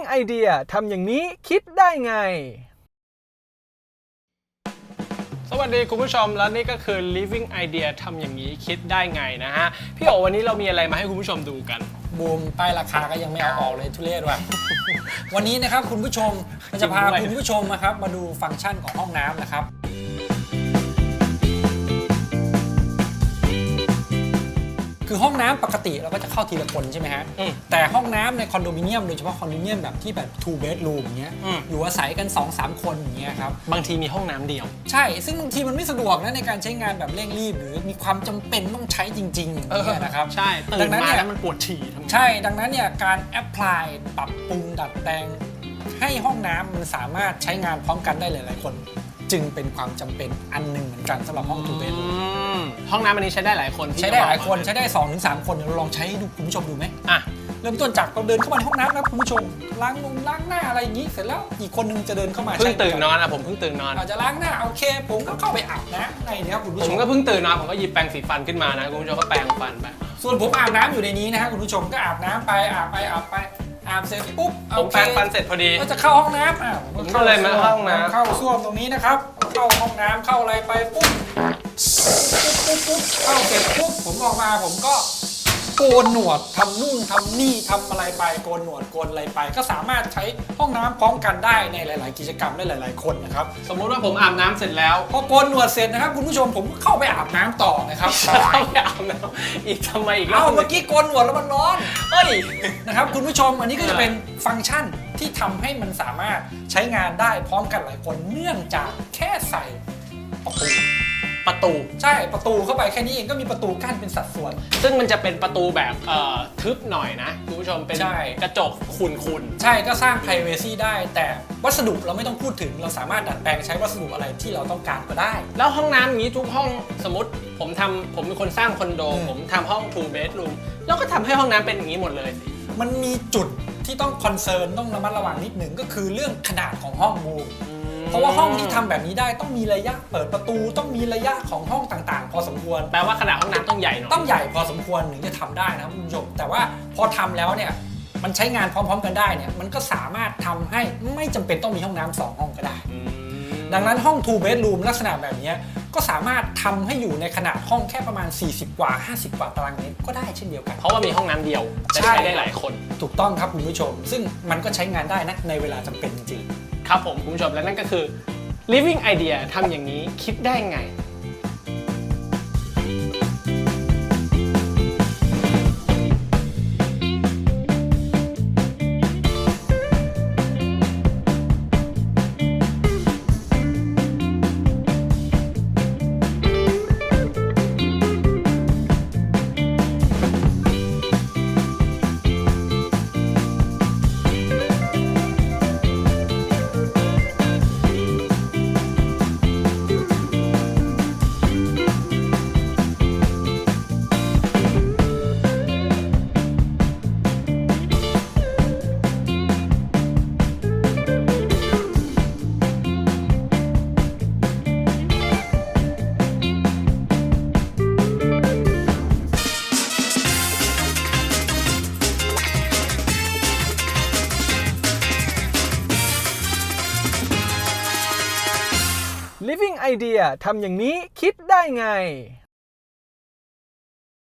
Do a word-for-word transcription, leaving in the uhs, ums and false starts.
ไอเดียทำอย่างนี้คิดได้ไงสวัสดีคุณผู้ชมและนี่ก็คือ Living Idea ทำอย่างนี้คิดได้ไงนะฮะพี่โอวันนี้เรามีอะไรมาให้คุณผู้ชมดูกันบูมป้ายราคาก็ยังไม่เอาออกเลยทุเรศว่ะ วันนี้นะครับคุณผู้ชมเราจะพาคุณผู้ชมนะครับมาดูฟังก์ชันของห้องน้ำนะครับคือห้องน้ำปกติเราก็จะเข้าทีละคนใช่ไหมฮะแต่ห้องน้ำในคอนโดมิเนียมโดยเฉพาะคอนโดมิเนียมแบบที่แบบ two bedroom อย่างเงี้ยอยู่อาศัยกัน สองสาม คนอย่างเงี้ยครับบางทีมีห้องน้ำเดียวใช่ซึ่งบางทีมันไม่สะดวกนะในการใช้งานแบบเร่งรีบหรือมีความจำเป็นต้องใช้จริงๆอย่างเงี้ยนะครับใช่ตื่นมาแล้วมันปวดฉี่ใช่ดังนั้นเนี่ยการแอพพลายปรับปรุงดัดแปลงให้ห้องน้ำมันสามารถใช้งานพร้อมกันได้หลายๆคนจึงเป็นความจำเป็นอันหนึ่งเหมือนกันสำหรับห้องทูเบดห้องน้ำอันนี้ใช้ได้หลายคนใช้ได้หลายคนใช้ได้ สองถึงสาม คนเดี๋ยวเราลองใช้ดูคุณผู้ชมดูไหมอ่ะเริ่มต้นจากเราเดินเข้ามาในห้องน้ำนะคุณผู้ชมล้างนมล้างหน้าอะไรอย่างนี้เสร็จแล้วอีกคนนึงจะเดินเข้ามาเพิ่งตื่นนอนอะผมเพิ่งตื่นนอนอาจจะล้างหน้าโอเคผมก็เข้าไปอาบน้ำในนี้ครับคุณผู้ชมผมก็เพิ่งตื่นนอนผมก็หยิบแปรงสีฟันขึ้นมานะคุณผู้ชมก็แปรงฟันไปส่วนผมอาบน้ำอยู่ในนี้นะฮะคุณผู้ชมก็อาบน้ำไปอาบไปอาบไปอาบเสร็จปุ๊บผมแปรงฟันเสร็จพอดีก็จะเข้าห้องน้ำอ่ะผมก็เลยมาห้องน้ำเข้าส้วมตรงนี้นะครับเข้าห้องน้ำเข้าอะไรไปปุ๊บปุ๊บปุ๊บเข้าเสร็จปุ๊บผมออกมาผมก็โกนหนวดทำนู่นทำนี่ทำอะไรไปโกนหนวดโกนอะไรไปก็สามารถใช้ห้องน้ำพร้อมกันได้ในหลาย ๆ กิจกรรมได้หลาย ๆ คนนะครับสมมุติว่าผมอาบน้ำเสร็จแล้วพอโกนหนวดเสร็จนะครับคุณผู้ชมผมเข้าไปอาบน้ำต่อนะครับเข้าไปอาบน้ำอีกทำไมอีกเอ้าเมื่อกี้โกนหนวดแล้วมันร้อนเอ้ยนะครับคุณผู้ชมอันนี้ก็จะเป็นฟังก์ชันที่ทำให้มันสามารถใช้งานได้พร้อมกันหลายคนเนื่องจากแค่ใส่ประตูประตูใช่ประตูเข้าไปแค่นี้เองก็มีประตูกั้นเป็นสัดส่วนซึ่งมันจะเป็นประตูแบบเอ่อทึบหน่อยนะคุณผู้ชมเป็นกระจกขุ่นๆใช่ก็สร้าง privacy ได้แต่วัสดุเราไม่ต้องพูดถึงเราสามารถดัดแปลงใช้วัสดุอะไรที่เราต้องการก็ได้แล้วห้องน้ำอย่างนี้ทุกห้องสมมติผมทำผมเป็นคนสร้างคอนโดผมทำห้อง two bedroom แล้วก็ทำให้ห้องน้ำเป็นอย่างนี้หมดเลยมันมีจุดที่ต้องคอนเซิร์นต้องระมัดระวังนิดหนึ่งก็คือเรื่องขนาดของห้องบูมเพราะว่าห้องที่ทำแบบนี้ได้ต้องมีระยะเปิดประตูต้องมีระยะของห้องต่างๆพอสมควรแปลว่าขนาดห้องน้ำต้องใหญ่หน่อยต้องใหญ่พอสมควรถึงจะทำได้นะคุณผู้ชมแต่ว่าพอทำแล้วเนี่ยมันใช้งานพร้อมๆกันได้เนี่ยมันก็สามารถทำให้ไม่จำเป็นต้องมีห้องน้ำสองห้องก็ได้ดังนั้นห้อง two bedroom ลักษณะแบบนี้ก็สามารถทำให้อยู่ในขนาดห้องแค่ประมาณสี่สิบกว่าห้าสิบกว่าตารางเมตรก็ได้เช่นเดียวกันเพราะว่ามีห้องน้ำเดียวใช้ได้หลายคนถูกต้องครับคุณผู้ชมซึ่งมันก็ใช้งานได้นะในเวลาจำเป็นจริงๆครับผมคุณผู้ชมและนั่นก็คือ Living Idea ทำอย่างนี้คิดได้ไง Living Idea ทำอย่างนี้คิดได้ไง